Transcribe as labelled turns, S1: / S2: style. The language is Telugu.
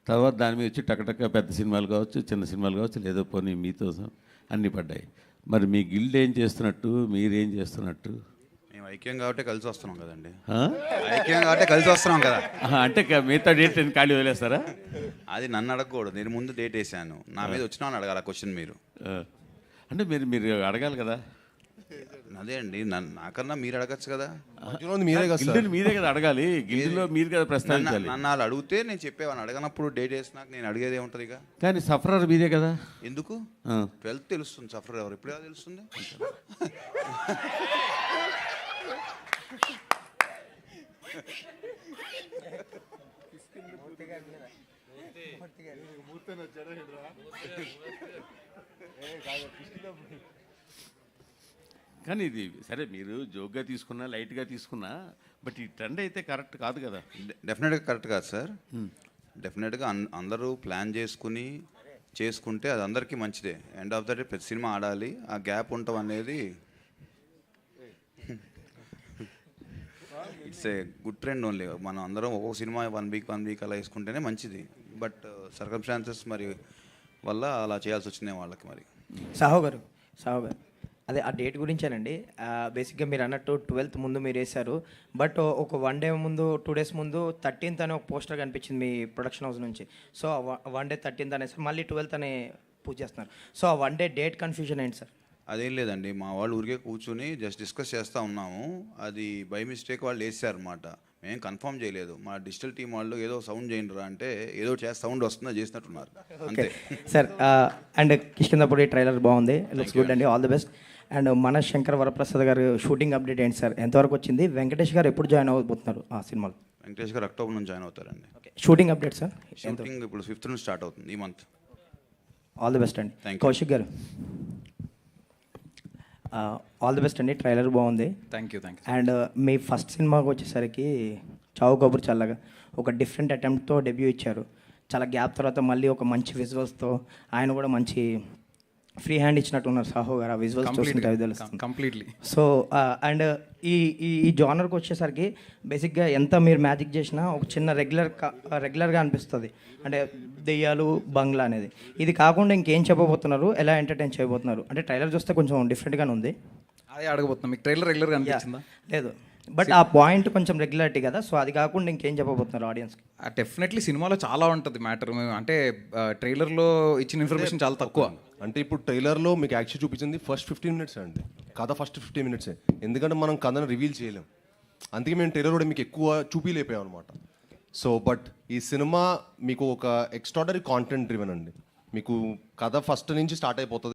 S1: తర్వాత దాని మీద వచ్చి టకటక పెద్ద సినిమాలు కావచ్చు, చిన్న సినిమాలు కావచ్చు, లేదో పోనీ మీతో అన్నీ పడ్డాయి. మరి మీ గిల్డ్ ఏం చేస్తున్నట్టు, మీరేం చేస్తున్నట్టు?
S2: మేము ఐక్యం కాబట్టి కలిసి వస్తున్నాం కదండి.
S1: ఆ?
S2: ఐక్యం కాబట్టి కలిసి వస్తున్నాం కదా.
S1: అంటే మిగతా డేట్ ఖాళీ వదిలేస్తారా?
S2: అది నన్ను అడగకూడదు, నేను ముందు డేట్ వేసాను, నా మీద వచ్చినా అని అడగాలి ఆ క్వశ్చన్ మీరు.
S1: అంటే మీరు అడగాలి కదా.
S2: అదే అండి, నాకన్నా మీరు అడగచ్చు కదా.
S1: గిల్డ్ మీరే కదా అడగాలి, గిల్డ్లో మీరు కదా ప్రస్తావించాలి.
S2: నన్ను వాళ్ళు అడిగితే నేను చెప్పేవాడిని, అడగనప్పుడు డేట్ వేసినాక నేను అడిగేది ఏముంటుంది ఇక.
S1: కానీ సఫరర్ మీరే కదా.
S2: ఎందుకు? 12th తెలుస్తుంది సఫర్ ఎవరు, ఎప్పుడు తెలుస్తుంది?
S1: కానీ ఇది సరే, మీరు జోక్గా తీసుకున్నా, లైట్గా తీసుకున్నా, బట్ ఈ ట్రెండ్ అయితే కరెక్ట్ కాదు కదా.
S2: డెఫినెట్గా కరెక్ట్ కాదు సార్. డెఫినెట్గా అందరూ ప్లాన్ చేసుకుంటే అది అందరికీ మంచిదే. ఎండ్ ఆఫ్ ద డే ప్రతి సినిమా ఆడాలి, ఆ గ్యాప్ ఉండటం అనేది it's a good trend only. మనం అందరం ఒక్కొక్క సినిమా వన్ వీక్ అలా వేసుకుంటేనే మంచిది. బట్ సర్కమ్స్టాన్సెస్ మరి వల్ల అలా చేయాల్సి వచ్చింది వాళ్ళకి. మరి
S3: సాహో గారు అదే ఆ డేట్ గురించేనండి. బేసిక్గా మీరు అన్నట్టు 12th ముందు మీరు వేశారు, బట్ ఒక 1 డే ముందు 2 days ముందు 13th అనే ఒక పోస్టర్ కనిపించింది మీ ప్రొడక్షన్ హౌస్ నుంచి. సో 1 day 13th అనేసి మళ్ళీ 12th అనే పూజ చేస్తున్నారు. సో ఆ 1 day డేట్ కన్ఫ్యూజన్ ఏంటి సార్?
S2: అదేం లేదండి, మా వాళ్ళు ఊరికే కూర్చుని జస్ట్ డిస్కస్ చేస్తూ ఉన్నాము. అది బై మిస్టేక్ వాళ్ళు వేసారనమాట, మేము కన్ఫర్మ్ చేయలేదు. మా డిజిటల్ టీం వాళ్ళు ఏదో సౌండ్ చేయండి రా అంటే ఏదో సౌండ్ వస్తుందో చేసినట్టున్నారు అంతే
S3: సార్. అండ్ కిష్కిందపూడి ట్రైలర్ బాగుంది, లుక్స్ గుడ్ అండి, ఆల్ ది బెస్ట్. అండ్ మన శంకర్ వరప్రసాద్ గారు షూటింగ్ అప్డేట్ ఏంటి సార్, ఎంతవరకు వచ్చింది? వెంకటేష్ గారు ఎప్పుడు జాయిన్ అవ్వబోతున్నారు ఆ సినిమాలో?
S2: వెంకటేష్ గారు అక్టోబర్ నుంచి జాయిన్ అవుతారండి.
S3: Shooting update sir?
S2: షూటింగ్ ఇప్పుడు 5th నుంచి స్టార్ట్ అవుతుంది ఈ మంత్.
S3: ఆల్ ది బెస్ట్ అండి.
S2: Thank you.
S3: Kaushik garu all the best అండి, ట్రైలర్ బాగుంది.
S4: Thank you.
S3: అండ్ మీ ఫస్ట్ సినిమాకి వచ్చేసరికి చావు కబుర్ చల్లగా ఒక డిఫరెంట్ అటెంప్ట్తో డెబ్యూ ఇచ్చారు. చాలా గ్యాప్ తర్వాత మళ్ళీ ఒక మంచి విజువల్స్తో ఆయన కూడా మంచి ఫ్రీ హ్యాండ్ ఇచ్చినట్టు ఉన్నారు సాహో గారు. ఆ విజువల్స్ చూస్తుంటే అవి తెలుస్తుంది
S4: కంప్లీట్లీ.
S3: సో అండ్ ఈ జానర్కి వచ్చేసరికి బేసిక్గా ఎంత మీరు మ్యాజిక్ చేసినా ఒక చిన్న రెగ్యులర్గా అనిపిస్తుంది. అంటే దెయ్యాలు, బంగ్లా అనేది. ఇది కాకుండా ఇంకేం చెప్పబోతున్నారు, ఎలా ఎంటర్టైన్ చేయబోతున్నారు? అంటే ట్రైలర్ చూస్తే కొంచెం డిఫరెంట్గానే ఉంది.
S4: అదే అడగబోతున్నాం, మీకు ట్రైలర్ రెగ్యులర్గా అనిపించిందా?
S3: లేదు, బట్ ఆ పాయింట్ కొంచెం రెగ్యులారిటీ కదా. సో అది కాకుండా ఇంకేం చెప్పబోతున్నారు ఆడియన్స్కి?
S4: డెఫినెట్లీ సినిమాలో చాలా ఉంటుంది మ్యాటర్. అంటే ట్రైలర్లో ఇచ్చిన ఇన్ఫర్మేషన్ చాలా తక్కువ.
S5: అంటే ఇప్పుడు ట్రైలర్లో మీకు యాక్చువల్ చూపించింది ఫస్ట్ 15 minutes అండి, కథ ఫస్ట్ 15 minutes. ఎందుకంటే మనం కథను రివీల్ చేయలేం, అందుకే మేము ట్రైలర్ కూడా మీకు ఎక్కువ చూపిలేపాం అనమాట. సో బట్ ఈ సినిమా మీకు ఒక ఎక్స్ట్రాడనరీ కాంటెంట్ డ్రివెన్ అండి. మీకు కథ ఫస్ట్ నుంచి స్టార్ట్ అయిపోతుంది.